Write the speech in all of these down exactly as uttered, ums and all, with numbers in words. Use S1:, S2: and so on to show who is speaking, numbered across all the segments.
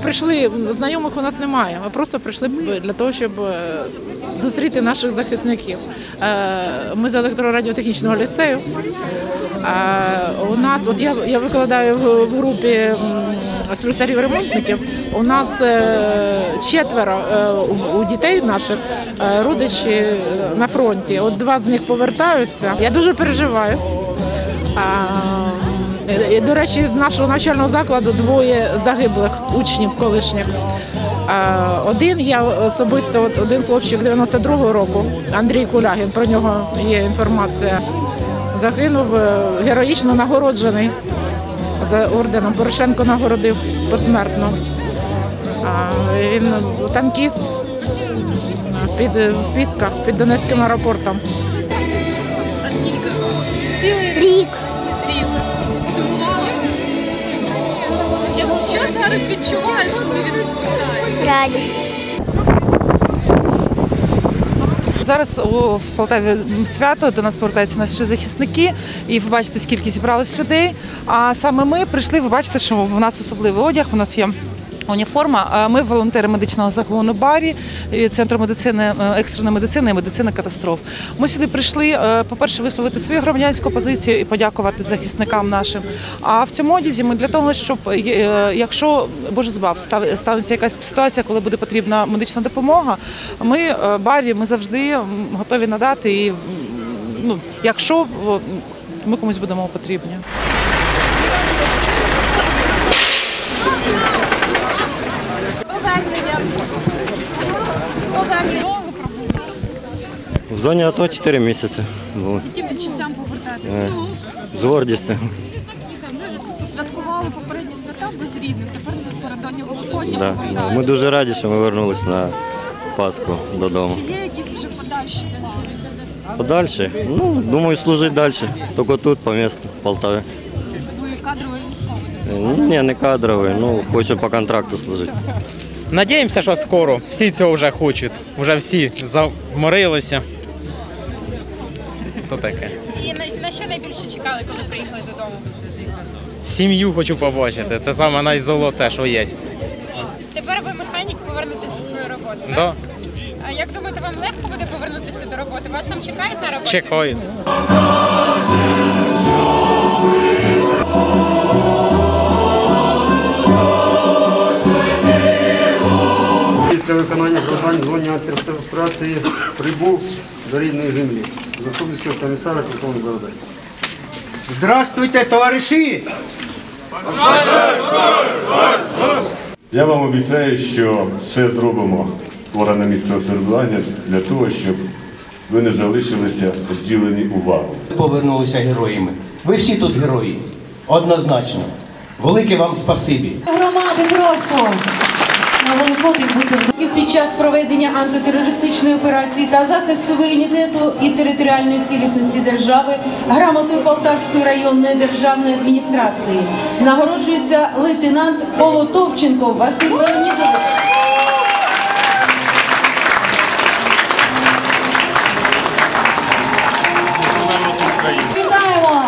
S1: прийшли, знайомих у нас немає, ми просто прийшли для того, щоб зустріти наших захисників. Ми з електрорадіотехнічного ліцею. У нас, от я, я викладаю в, в групі слюсарів-ремонтників, у нас четверо у дітей наших родичі на фронті. От два з них повертаються. Я дуже переживаю. І, до речі, з нашого навчального закладу двоє загиблих учнів колишніх. Один, я особисто, один хлопчик дев'яносто другого року, Андрій Кулягін, про нього є інформація, загинув, героїчно нагороджений за орденом. Порошенко нагородив посмертно. Він танкіст під Пісках, під Донецьким аеропортом.
S2: А скільки?
S3: Рік.
S2: Рік. Сумувала? Що зараз відчуваєш, коли він повертається?
S3: Радість.
S4: Зараз в Полтаві свято, до нас повертаються наші захисники, і ви бачите, скільки зібралось людей. А саме ми прийшли, ви бачите, що в нас особливий одяг, у нас є уніформа. Ми волонтери медичного загону Барі, Центру медицини, екстреної медицини і медицини катастроф. Ми сюди прийшли, по-перше, висловити свою громадянську позицію і подякувати захисникам нашим. А в цьому одязі ми для того, щоб, якщо, Боже збав, станеться якась ситуація, коли буде потрібна медична допомога, ми, Барі, ми завжди готові надати, і, ну, якщо ми комусь будемо потрібні.
S5: В зоні АТО чотири місяці.
S2: З яким відчуттям повертатися?
S5: З гордістю.
S2: Святкували попередні свята без рідних, тепер напередодні Великодня
S5: Да.
S2: повертаються.
S5: Ми дуже раді, що ми повернулися на Пасху додому.
S2: Чи є якісь вже подальші плани?
S5: Подальше? Ну, думаю, служити далі. Тільки тут, по місту, в Полтаві.
S2: Ви кадровий військовий?
S5: Ні, не кадровий, ну, хочу по контракту служити.
S6: Надіємося, що скоро. Всі цього вже хочуть. Вже всі заморилися. То таке.
S2: І на, на що найбільше чекали, коли приїхали додому?
S6: Сім'ю хочу побачити. Це саме найзолоте, що є.
S2: Тепер ви механік, повернутися до своєї роботи, так?
S6: Да.
S2: А як думаєте, вам легко буде повернутися до роботи? Вас там чекають на роботі?
S6: Чекають.
S7: Після виконання завдань в зоні антиреставрації прибув до рідної землі. Заступницького комісара полковник Бородай. Здравствуйте, товариші!
S8: Я вам обіцяю, що все зробимо органи місцевого самоврядування для того, щоб ви не залишилися обділені увагою.
S9: Повернулися героями. Ви всі тут герої. Однозначно. Велике вам спасибі.
S10: Громади, прошу. Під час проведення антитерористичної операції та захист суверенітету і територіальної цілісності держави грамотою Полтавської районної державної адміністрації нагороджується лейтенант Полотовченко Василь Леонідович. Вітаємо!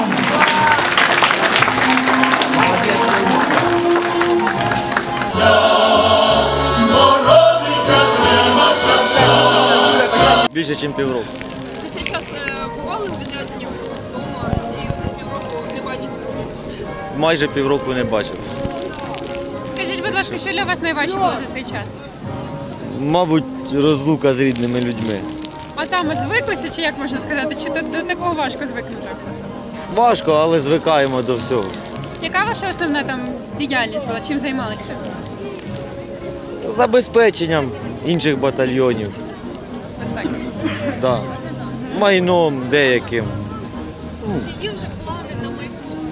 S5: Більше, ніж півроку.
S2: За цей час бували у відрядженні вдома, чи півроку не бачили?
S5: Майже півроку не бачив.
S2: Скажіть, будь ласка, що для вас найважче було за цей час?
S5: Мабуть, розлука з рідними людьми.
S2: А там от звиклися, чи як можна сказати, чи до, до такого важко звикнути?
S5: Важко, але звикаємо до всього.
S2: Яка ваша основна там діяльність була? Чим займалися?
S5: Забезпеченням інших батальйонів.
S2: Безпеки.
S5: Да. Майном деяким.
S2: Чи є вже плани на майбутнє?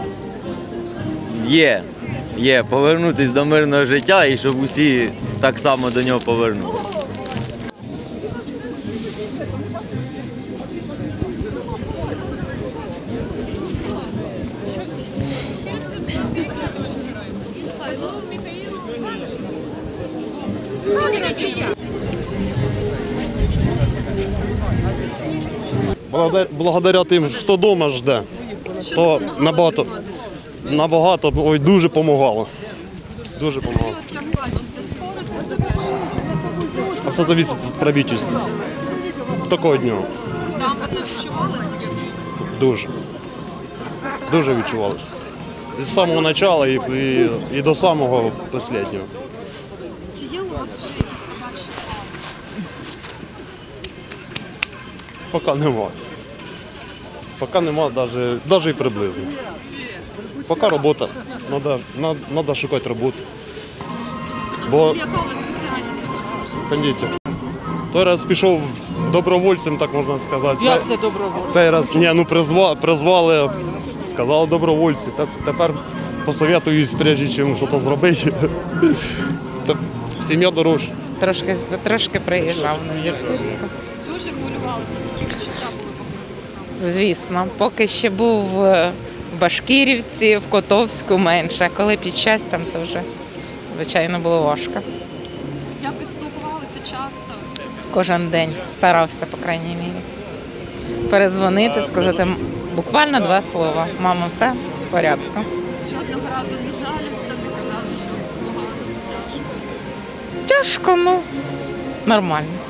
S5: Є. Є. Повернутися до мирного життя і щоб усі так само до нього повернулися.
S11: Благодаря тим, хто вдома жде, то набагато, набагато, ой, дуже допомагало.
S3: Дуже
S2: Взагалі,
S3: допомагав.
S2: от як бачите, скоро це завершиться.
S3: А все залежить від правительства. Такого дня.
S2: Там воно відчувалося чи ні?
S3: Дуже. Дуже відчувалося. З самого початку і, і, і до самого останнього.
S2: Чи є у вас вже якісь подальші плани?
S3: Поки нема. Поки нема навіть, навіть і приблизно. Поки робота. Треба, треба шукати роботу.
S2: А
S3: Бо
S2: взагалі, яка у вас спеціальність у житті?
S3: кондитер. Той раз пішов добровольцем, так можна сказати.
S4: Як це добровольцем?
S3: Цей раз ні, ну призва, призвали, сказали добровольці. Та- Тепер посоветуюсь, прежде чим щось зробити. Та сім'я дорожча.
S4: Трошки, трошки приїжджав на відпустку.
S2: Дуже хвилювалися, які відчуття були поки.
S4: Звісно, поки ще був в Башкирівці, в Котовську менше. Коли під щастям, то вже, звичайно, було важко.
S2: Як ви спілкувалися часто?
S4: Кожен день старався, по крайній мірі. Перезвонити, сказати м- буквально два слова. Мамо, все в порядку.
S2: Жодного разу не жалівся, не казав, що погано, тяжко.
S4: Тяжко, ну нормально.